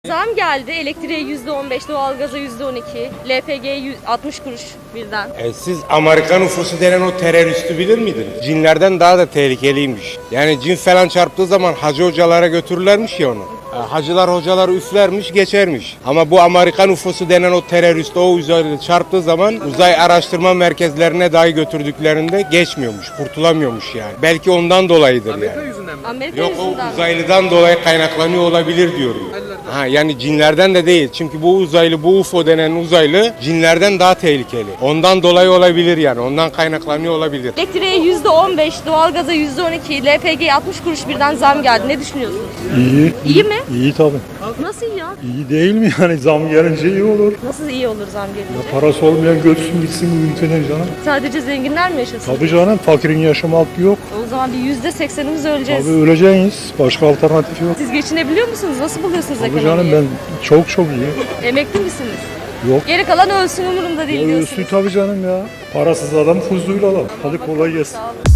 Zam geldi. Elektriğe %15, doğalgaza %12, LPG'ye 60 kuruş birden. Siz Amerikan UFO'su denen o teröristi bilir miydiniz? Cinlerden daha da tehlikeliymiş. Yani cin falan çarptığı zaman hacı hocalara götürürlermiş ya onu. Hacılar hocalar üflermiş geçermiş. Ama bu Amerikan UFO'su denen o terörist o uzaylı çarptığı zaman uzay araştırma merkezlerine dahi götürdüklerinde geçmiyormuş, kurtulamıyormuş yani. Belki ondan dolayıdır Amerika yani. yüzünden mi? Amerika Yok yüzünden. o uzaylıdan dolayı kaynaklanıyor olabilir diyorum. Yani cinlerden de değil. Çünkü bu uzaylı, bu UFO denen uzaylı cinlerden daha tehlikeli. Ondan dolayı olabilir yani. Ondan kaynaklanıyor olabilir. Elektriğe %15, doğalgaza %12, LPG'ye 60 kuruş birden zam geldi. Ne düşünüyorsunuz? İyi. İyi mi? İyi tabii. Nasıl iyi ya? İyi değil mi yani zam gelince iyi olur. Nasıl iyi olur zam gelince? Parası olmayan götürsün gitsin bu ülkeden canım. Sadece zenginler mi yaşasın? Tabii canım fakirin yaşama hakkı yok. O zaman bir %80'imiz öleceğiz. Tabii öleceğiz. Başka alternatif yok. Siz geçinebiliyor musunuz? Nasıl buluyorsunuz Tabii ekonomiyi? canım ben çok iyi. Emekli misiniz? Yok. Geri kalan ölsün umurumda değil Ya diyorsunuz. ölsün tabii canım ya. Parasız adam huzurlu adam. Hadi kolay gelsin. Sağ olun.